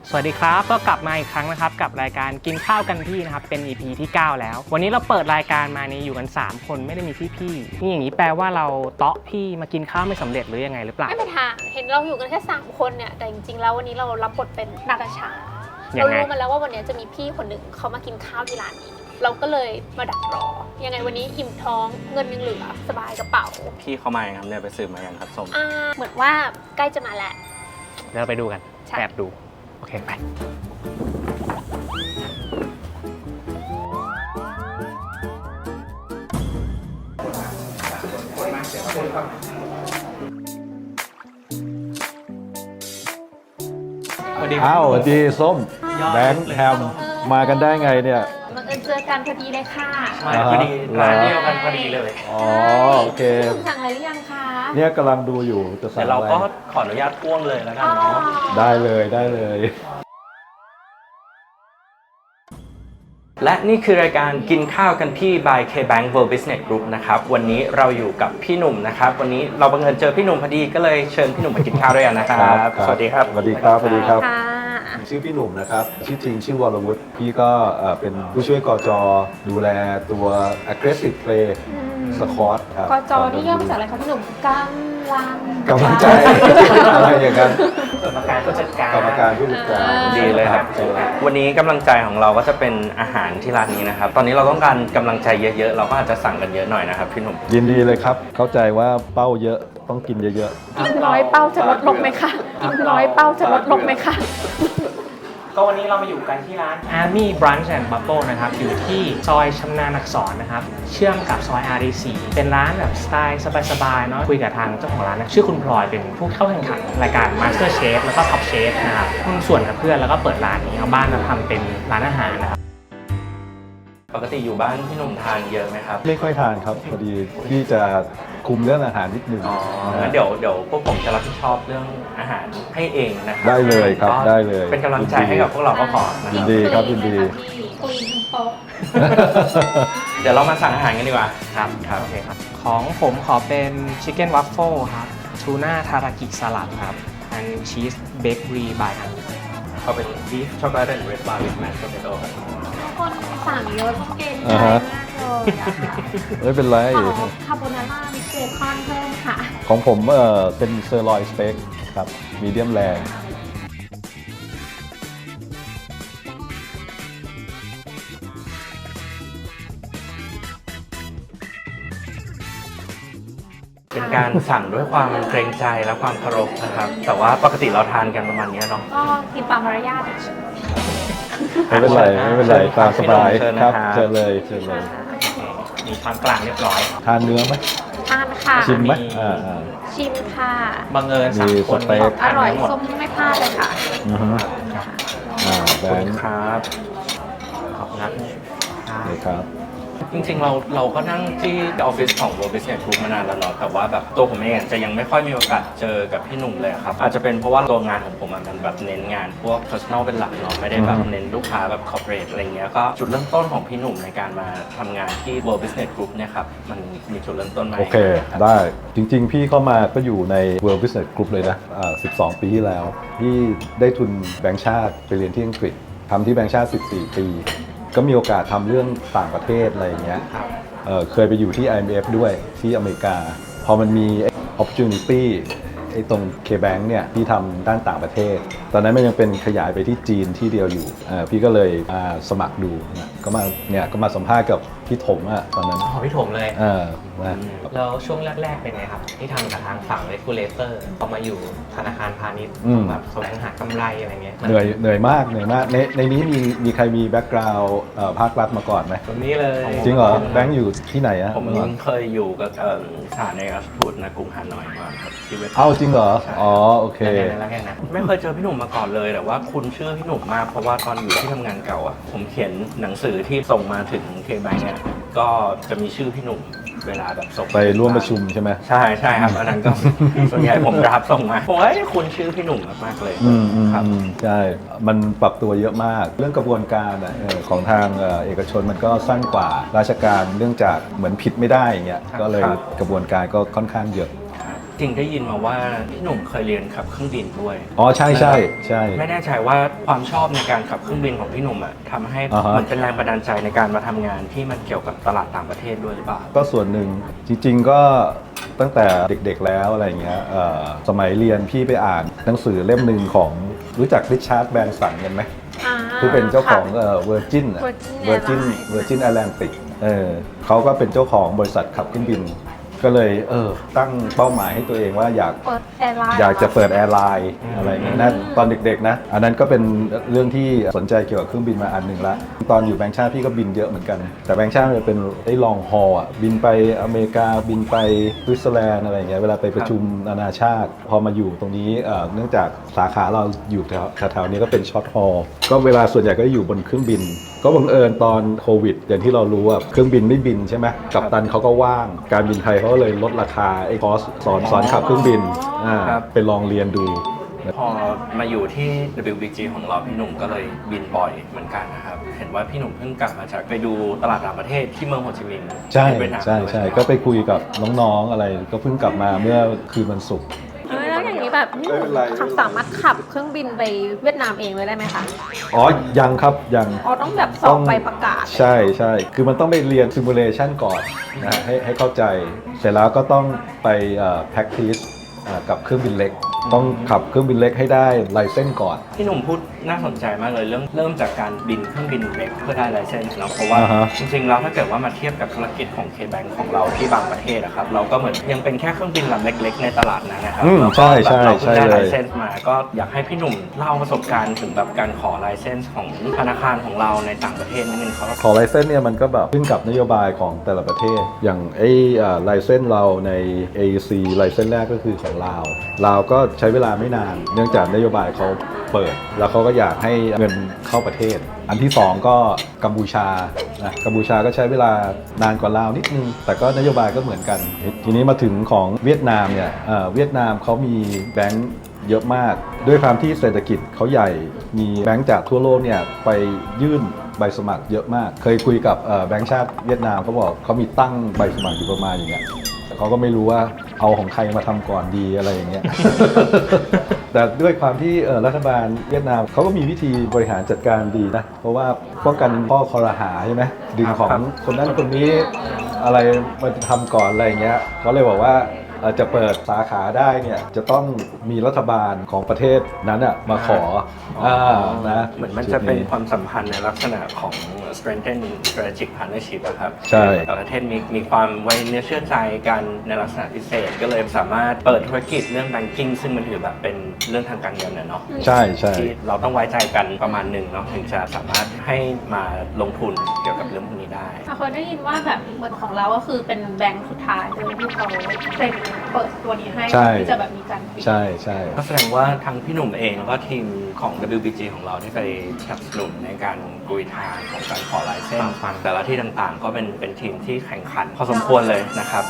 สวัสดีครับก็กลับมาอีกครั้งนะครับกับรายการกินข้าวกันพี่นะครับเป็น EP ที่ 9 แล้ววันนี้เราเปิดรายการมานี้อยู่กัน3คนไม่ได้มีพี่นี่อย่างนี้แปลว่าเราเตาะพี่มากินข้าวไม่สำเร็จหรือยังไงหรือเปล่าไม่เป็นทางเห็นเราอยู่กันแค่3คนเนี่ยแต่จริงๆแล้ววันนี้เรารับบทเป็นนาตาชาเรารู้มาแล้วว่าวันนี้จะมีพี่คนหนึ่งเขามากินข้าวที่ร้านนี้เราก็เลยมาดักรอยังไงวันนี้อิ่มท้องเงินยังเหลือสบายกระเป๋าพี่เขามาอย่างครับเนี่ยไปสืบมาอย่างครับส้มเหมือนว่าใกล้จะมาแล้วเราไปดูกันแอบดูโอเคไปอ้าวสวัสดีส้มแบงค์แฮมมากันได้ไงเนี่ยบังเอิญเจอกันพอดีเลยค่ะมาพอดีร้านเดียวกันพอดีเลยอ๋อโอเคสั่งอะไรหรือยังคะเนี่ยกำลังดูอยู่จะสั่งอะไรเราก็ขออนุญาตพ่วงเลยแล้วกันเนาะได้เลยได้เลยและนี่คือรายการกินข้าวกันพี่ by KBank World Business Group นะครับวันนี้เราอยู่กับพี่หนุ่มนะครับวันนี้เราบังเอิญเจอพี่หนุ่มพอดีก็เลยเชิญพี่หนุ่มมากินข้าวด้วยกันนะครับสวัสดีครับสวัสดีครับสวัสดีครับชื่อพี่หนุ่มนะครับชื่อจริงชื่อวรวุฒิพี่ก็เป็นผู้ช่วยกจดูแลตัว aggressive play squad ครับกจนี่ย่อมาจากอะไรคะพี่หนุ่มกำลังใจอะไรอย่างนั้นกรรมการผู้จัดการดีเลยครับวันนี้กำลังใจของเราก็จะเป็นอาหารที่ร้านนี้นะครับตอนนี้เราต้องการกำลังใจเยอะๆเราก็อาจจะสั่งกันเยอะหน่อยนะครับพี่หนุ่มยินดีเลยครับเข้าใจว่าเป้าเยอะต้องกินเยอะๆกินร้อยเป้าจะลดลงไหมคะกินร้อยเป้าจะลดลงไหมคะก็วันนี้เรามาอยู่กันที่ร้าน Army Brunch and Bubble นะครับอยู่ที่ซอยชำนาญอักษรนะครับเชื่อมกับซอย RD4 เป็นร้านแบบสไตล์สบายๆเนาะคุยกับทางเจ้าของร้านนะชื่อคุณพลอยเป็นผู้เข้าแข่งขันรายการ Master Chef แล้วก็ Top Chef นะครับหุ้นส่วนกับเพื่อนแล้วก็เปิดร้านนี้เอาบ้านมาทำเป็นร้านอาหารนะครับปกติอยู่บ้านพี่หนุ่มทานเยอะไหมครับไม่ค่อยทานครับพอดีพี่จะคุมเรื่องอาหารนิดนึงงั้นเดี๋ยวพวกผมจะรับผิดชอบเรื่องอาหารให้เองนะครับได้เลยครับได้เลยเป็นกำลังใจให้กับพวกเราก็พอยินดีครับยินดีคุยทั้งโต๊ะเดี๋ยวเรามาสั่งอาหารกันดีกว่าครับโอเคครับของผมขอเป็น Chicken Waffle ครับทูน่าทารากิสลัดครับอันชีสเบเกอรี่บายอันเขาเป็น beef chocolate and red bar with mashed potato คนสั่งเยอะเก่งมากเลยไม่เป็นไรคาโบนาร่ามิเบคอนเพิ่มค่ะของผมเป็นเซอร์ลอยสเต็กครับมีเดียมแรร์เป็นการสั่งด้วยความเกรงใจและความเคารพนะครับแต่ว่าปกติเราทานกันประมาณนี้เนาะก็กินตามมารยาทไม่เป็นไรตามสบายครับเชิญเลยมีช้อนกลางเรียบร้อยทานเนื้อไหมทานค่ะชิมไหมชิมค่ะบังเอิญ3คนอร่อยส้มไม่พลาดเลยค่ะแบงค์ครับขอบคุณครับจริงๆเราก็นั่งที่ออฟฟิศของ World Business Group มานานแล้วเนาะแต่ว่าแบบตัวผมเองจะยังไม่ค่อยมีโอกาสเจอกับพี่หนุ่มเลยครับอาจจะเป็นเพราะว่าตัวงานของผมมันแบบเน้นงานพวก personal เป็นหลักเนาะไม่ได้แบบเน้นลูกค้าแบบ corporate อะไรเงี้ยก็จุดเริ่มต้นของพี่หนุ่มในการมาทำงานที่ World Business Group เนี่ยครับมันมีจุดเริ่มต้นไหมโอเคได้จริงๆพี่เข้ามาก็อยู่ใน World Business Group เลยนะ12 ปีที่แล้วพี่ได้ทุนแบงก์ชาติไปเรียนที่อังกฤษทำที่แบงก์ชาติ14 ปีก็มีโอกาสทำเรื่องต่างประเทศอะไรอย่างเงี้ยเคยไปอยู่ที่ IMF ด้วยที่อเมริกาพอมันมี opportunity ตรง KBank เนี่ยที่ทำด้านต่างประเทศตอนนั้นมันยังเป็นขยายไปที่จีนที่เดียวอยู่พี่ก็เลยสมัครดูก็มาสัมภาษณ์กับพี่ถมตอนนั้นพี่ถมเลยแล้วช่วงแรกๆเป็นไงครับที่ทำกับทางฝั่ง regulator พอมาอยู่ธนาคารพาณิชย์แบบแสวงหากำไรอะไรเงี้ยเหนื่อยมากในนี้มีใครมีแบ็กกราวด์ภาครัฐมาก่อนไหมตรงนี้เลยจริงเหรอแบงค์อยู่ที่ไหนผมเคยอยู่กับสถานเอกอัครราชทูตณกรุงฮานอยมาครับที่เว็บจริงเหรอโอเคไม่เคยเจอพี่หนุ่มมาก่อนเลยแต่ว่าคุณเชื่อพี่หนุ่มมากเพราะว่าตอนอยู่ที่ทำงานเก่าผมเขียนหนังสือที่ส่งมาถึง KBank เนี่ยก็จะมีชื่อพี่หนุ่มเวลาแบบส่งไปร่วมประชุมใช่ไหมใช่ครับอันนั้นก็ส่วนใหญ่ผมรับส่งมาโอ้ยคุณชื่อพี่หนุ่มมากเลยครับใช่มันปรับตัวเยอะมากเรื่องกระบวนการของทางเอกชนมันก็สั้นกว่าราชการเนื่องจากเหมือนผิดไม่ได้อย่างเงี้ยก็เลยกระบวนการก็ค่อนข้างเยอะริงๆได้ยินมาว่าพี่หนุ่มเคยเรียนขับเครื่องบินด้วยอ๋อใช่ใช่ใช่ไม่แน่ใจว่าความชอบในการขับเครื่องบินของพี่หนุ่มอะทำให้อ่าฮะมันเป็นแรงบันดาลใจในการมาทำงานที่มันเกี่ยวกับตลาดต่างประเทศด้วยหรือเปล่าก็ส่วนหนึ่งจริงๆก็ตั้งแต่เด็กๆแล้วอะไรเงี้ยสมัยเรียนพี่ไปอ่านหนังสือเล่มหนึ่งของรู้จักริชาร์ดแบรนสันกันไหม ที่เป็นเจ้าของเวอร์จิน Virgin Atlantic เขาก็เป็นเจ้าของบริษัทขับเครื่องบิน ก็เลยตั้งเป้าหมายให้ตัวเองว่าอยากจะเปิดแอร์ไลน์อะไรเงี้ยนะตอนเด็กๆนะอันนั้นก็เป็นเรื่องที่สนใจเกี่ยวกับเครื่องบินมาอันหนึ่งละตอนอยู่แบงค์ชาติพี่ก็บินเยอะเหมือนกันแต่แบงค์ชาติมันเป็นไอ้ลองฮอลบินไปอเมริกาบินไปสวิตเซอร์แลนด์อะไรเงี้ยเวลาไปประชุมนานาชาติพอมาอยู่ตรงนี้เนื่องจากสาขาเราอยู่แถวๆนี้ก็เป็นช็อตฮอลก็เวลาส่วนใหญ่ก็อยู่บนเครื่องบินก็บังเอิญตอนโควิดอย่างที่เรารู้ว่าเครื่องบินไม่บินใช่ไหมกัปตันเขาก็ว่างการบินไทยเขาก็เลยลดราคาไอ้คอร์สสอนขับเครื่องบินไปลองเรียนดูพอมาอยู่ที่ WBG ของเราพี่หนุ่มก็เลยบินบ่อยเหมือนกันนะครับเห็นว่าพี่หนุ่มเพิ่งกลับมาจากไปดูตลาดต่างประเทศที่เมืองโฮจิมินห์ใช่ที่เวียดนามใช่ด้วยใช่ไหมก็ไปคุยกับน้องๆอะไรก็เพิ่งกลับมาเมื่อคืนวันศุกร์แล้วอย่างนี้แบบไม่เป็นไรสามารถขับเครื่องบินไปเวียดนามเองเลยได้ไหมคะอ๋อยังครับยังอ๋อต้องแบบสอบใบประกาศใช่ใช่คือมันต้องไปเรียนซิมูเลชันก่อนนะให้เข้าใจเสร็จแล้วก็ต้องไปpractice กับเครื่องบินเล็ก ต้องขับเครื่องบินเล็กให้ได้ไลเซนส์ก่อนพี่หนุ่มพูดน่าสนใจมากเลยเริ่มจากการบินเครื่องบินเล็กเพื่อได้ไลเซนส์เนาะเพราะว่าอ่าฮะจริงๆแล้วถ้าเกิดว่ามาเทียบกับธุรกิจของ K-Bank ของเราที่บางประเทศอะครับเราก็เหมือนยังเป็นแค่เครื่องบินลำเล็กๆในตลาดนั้นนะครับใช่ใช่เราเพิ่งได้ใช่เลยไลเซนส์มาก็อยากให้พี่หนุ่มเล่าประสบการณ์ถึงแบบการขอไลเซนส์ของธนาคารของเราในต่างประเทศนิดนึงครับขอไลเซนส์เนี่ยมันก็แบบขึ้นกับนโยบายของแต่ละประเทศ อย่างไลเซนส์เราใน AEC ไลเซนส์แรกก็คือของลาวก็ใช้เวลาไม่นาน เนื่องจากนโยบายเขาเปิด แล้วเขาก็อยากให้เงินเข้าประเทศ อันที่ 2 ก็กัมพูชานะกัมพูชาก็ใช้เวลานานกว่าลาวนิดนึง แต่ก็นโยบายก็เหมือนกัน ทีนี้มาถึงของเวียดนามเนี่ยเวียดนามเขามีแบงก์เยอะมาก ด้วยความที่เศรษฐกิจเขาใหญ่ มีแบงก์จากทั่วโลกเนี่ยไปยื่นใบสมัครเยอะมาก เคยคุยกับแบงก์ชาติเวียดนามเขาบอกเขามีตั้งใบสมัครอยู่ประมาณอย่างเงี้ย แต่เขาก็ไม่รู้ว่าเอาของใครมาทำก่อนดีอะไรอย่างเงี้ย แต่ด้วยความที่รัฐบาลเวียดนามเขาก็มีวิธีบริหารจัดการดีนะ เพราะว่าป้องกันข้อคอรหาใช่ไหมดึงของคนนั้นคนนี้อะไรมาทำก่อนอะไรอย่างเงี้ยเขาเลยบอกว่าจะเปิดสาขาได้เนี่ยจะต้องมีรัฐบาลของประเทศนั้นอะมาขอนะเหมือนมันจะเป็นความสัมพันธ์ในลักษณะของ strengthen strategic partnership อะครับใช่แต่ละประเทศมีความไว้เนื้อเชื่อใจกันในลักษณะพิเศษ ก็เลยสามารถเปิดธุรกิจเรื่อง banking ซึ่งมันถือแบบเป็นเรื่องทางการเงินนะเนาะใช่ใช่ที่เราต้องไว้ใจกันประมาณหนึ่งเนาะถึงจะสามารถให้มาลงทุนเกี่ยวกับเรื่องพวกนี้ได้เคยได้ยินว่าแบบเหมือนของเราก็คือเป็นแบงค์สุดท้ายเลยที่เขาเซ็นเปิดตัวนี้ให้ใช่ที่จะแบบมีการปิดใช่ใช่ก็แสดงว่าทั้งพี่หนุ่มเองแล้วก็ทีมของ WBG ของเราที่ไปสนับสนุนในการกุยทางของการขอลายเส้นแต่ละที่ต่างๆ ก็เป็นทีมที่แข่งขันพอสมควรเลยนะครับ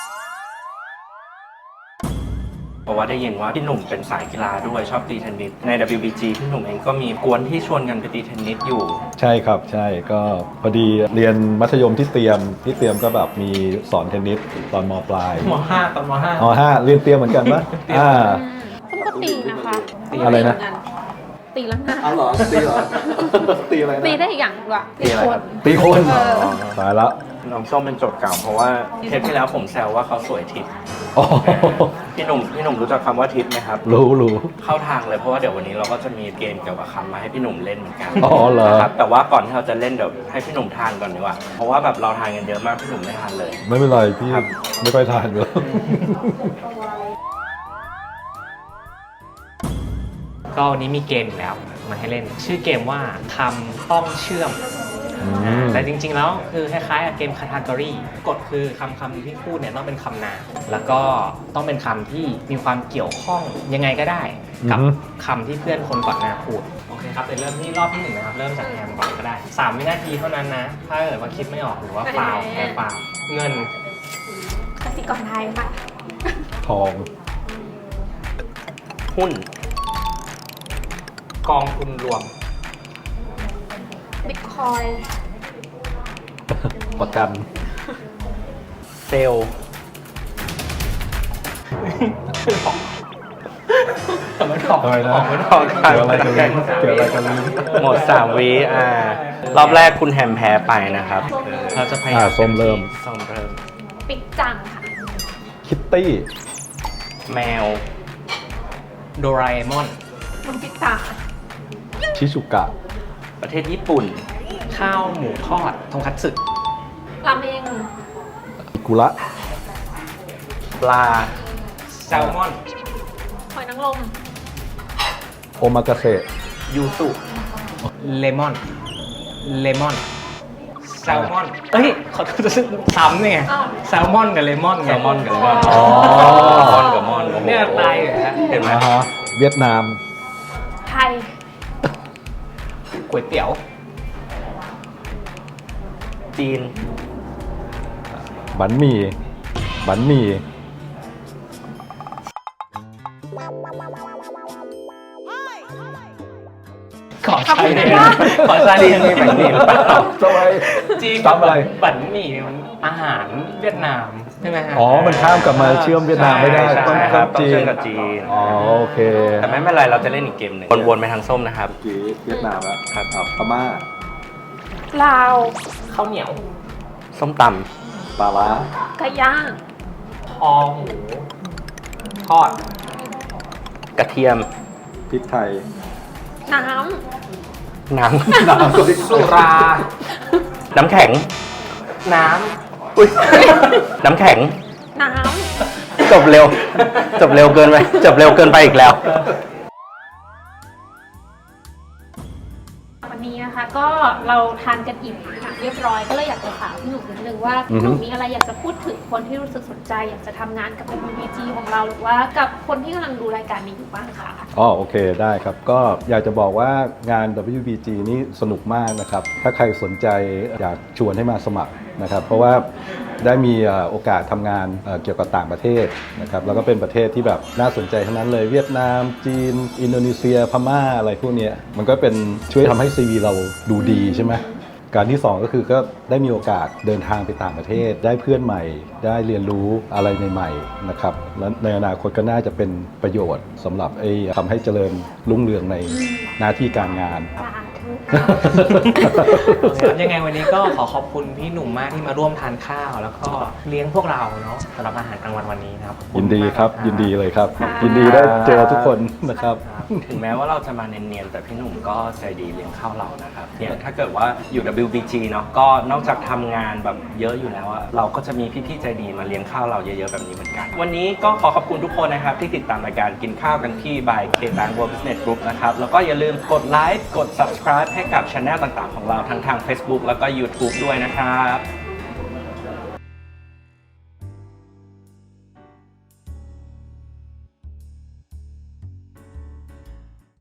เพราะว่าได้ยินว่าพี่หนุ่มเป็นสายกีฬาด้วยชอบตีเทนนิสใน WBG พี่หนุ่มเองก็มีกวนที่ชวนกันไปตีเทนนิสอยู่ใช่ครับใช่ก็พอดีเรียนมัธยมที่เตรียมก็แบบมีสอนเทนนิสตอนมปลายม.5 ตอนม.5 5เรียนเตรียมเหมือนกันปะซึ่งก็ตีนะคะอะไรนะตีแล้วนะอ๋อเหรอตีเหรอ ตีอะไรนะตีได้อีกอย่างด้วยตีอะไรครับตีคนเออตายละน้องส้มเป็นโจทย์เก่าเพราะว่าเทปที่แล้วผมแซวว่าเขาสวยทิพย์อ๋อพี่หนุ่มรู้จักคำว่าทิปไหมครับรู้เข้าทางเลยเพราะว่าเดี๋ยววันนี้เราก็จะมีเกมเกี่ยวกับคำมาให้พี่หนุ่มเล่นเหมือนกันอ๋อเหรอครับแต่ว่าก่อนที่เราจะเล่นเดี๋ยวให้พี่หนุ่มทานก่อนดีกว่าเพราะว่าแบบเราทานกันเยอะมากพี่หนุ่มไม่ทานเลยไม่เป็นไรพี่ครับไม่ค่อยทานอยู่แล้วก็วันนี้มีเกมอีกแล้วมาให้เล่น ชื่อเกมว่าคำต้องเชื่อม แต่จริงๆแล้วคือคล้ายๆกับเกม category กฎคือคำที่พูดเนี่ยต้องเป็นคำนามแล้วก็ต้องเป็นคำที่มีความเกี่ยวข้องยังไงก็ได้กับคำที่เพื่อนคนก่อนหน้าพูดโอเคครับเดี๋ยวเริ่มที่รอบที่ 1นะครับเริ่มจากแฮมก่อนก็ได้3 วินาทีเท่านั้นนะถ้าเกิดว่าคิดไม่ออกหรือว่าฟาวแพ้ฟาวเงินกสิกรไทยค่ะทองหุ้นกองทุนรวมบิตคอยประกันเซลล์ทำไมถอกทำไมนะไม่ถอกเกี่ยวอะไรกันลิ้นเกี่ยวอะไรกันลิ้นหมด3 วิรอบแรกคุณแฮมแพ้ไปนะครับเราจะพยายามส้มเริ่มส้มเริ่มปิ๊กจังค่ะคิตตี้แมวโดราเอมอนน้องปิตาชิชุกะประเทศญี่ปุ่นข้าวหมูทอดทงคัตสึราเมงอิกุระปลาแซลมอนหอยนางรมโอมากาเสะยูสุเลมอนแซลมอนเอ้ยเขาจะซ้ำเนี่ยอ้าวแซลมอนกับเลมอนแซไงลมอนกับมอนอ๋อมอนกับมอนโอ้โหเนี่ยตายเลยฮะเห็นไหมอ่าฮะเวียดนามไทยก๋วยเตี๋ยวจีนบันหมี่บันหมี่ขอใช้เลยนะขอใช้เลยมีบันหมี่หรือเปล่าทำไมจีนซ้ำอะไรบันหมี่มันอาหารเวียดนามใช่ไหมฮะอ๋อ มันข้ามกลับมาเชื่อมเวียดนามไม่ได้ใช่ต้องใช่คข้ารัมบต้องจีเชื่อน มกับจีนอ๋อ โอเคแต่ไม่เป็นไรเราจะเล่นอีกเกมหนึ่งวนๆไปทางส้มนะครับกีเวียดนามแล้วครับพม่าลาวข้าวเหนียวส้มตปลาร้าไก่ย่างคอหมูทอดำกระเทียมพริกไทยน้น้ำสุราน้ำแข็งน้อุ้ยน้ำแข็งำ น้จบเร็ว จบเร็วเกินไป จบเร็วเกินไปอีกแล้วำ วันนี้นะคะก็เราทานกันอิ่มค่ะเรียบร้อยก็เลยอยากจะถามพี่หนุ่มนิดนึงว่าอือฮึหนุ่มมีอะไรอยากจะพูดถึงคนที่รู้สึกสนใจ อยากจะทำงานกับ WBG ของเราหรือว่ากับคนที่กำลังดูรายการนี้อยู่บ้างค่ะอ๋อ โอเค ได้ครับ ก็อยากจะบอกว่างาน WBG นี่สนุกมากนะครับ ถ้าใครสนใจอยากชวนให้มาสมัครนะครับ เพราะว่าได้มีโอกาสทำงานเกี่ยวกับต่างประเทศนะครับ แล้วก็เป็นประเทศที่แบบน่าสนใจทั้งนั้นเลย เวียดนาม จีน อินโดนีเซีย พม่า อะไรพวกเนี้ยมันก็เป็นช่วยทำให้ CV เราดูดีใช่ไหม การที่ 2 ก็คือก็ได้มีโอกาสเดินทางไปต่างประเทศ ได้เพื่อนใหม่ ได้เรียนรู้อะไรใหม่ๆนะครับและในอนาคตก็น่าจะเป็นประโยชน์สำหรับทำให้เจริญรุ่งเรืองในหน้าที่การงานสาธุยังไงวันนี้ก็ขอขอบคุณพี่หนุ่มมากที่มาร่วมทานข้าว แล้วก็เลี้ยงพวกเราเนาะสำหรับอาหารกลางวันวันนี้นะครับขอณยินดีครับมากยินดีเลยครับค่ะยินดีได้เจอทุกคนนะครับถึงแม้ว่าเราจะมาเนียนๆแต่พี่หนุ่มก็ใจดีเลี้ยงข้าวเรานะครับเนี่ยถ้าเกิดว่าอยู่ WBG เนาะก็นอกจากทำงานแบบเยอะอยู่แล้วอะเราก็จะมีพี่ๆใจดีมาเลี้ยงข้าวเราเยอะๆแบบนี้เหมือนกัน วันนี้ก็ขอขอบคุณทุกคนนะครับที่ติดตามรายการกินข้าวกันที่ by K-Bank World Business Group นะครับแล้วก็อย่าลืมกดไลค์กด subscribe ให้กับช anel ต่างๆของเราทั้งทาง Facebook แล้วก็ YouTube ด้วยนะครับ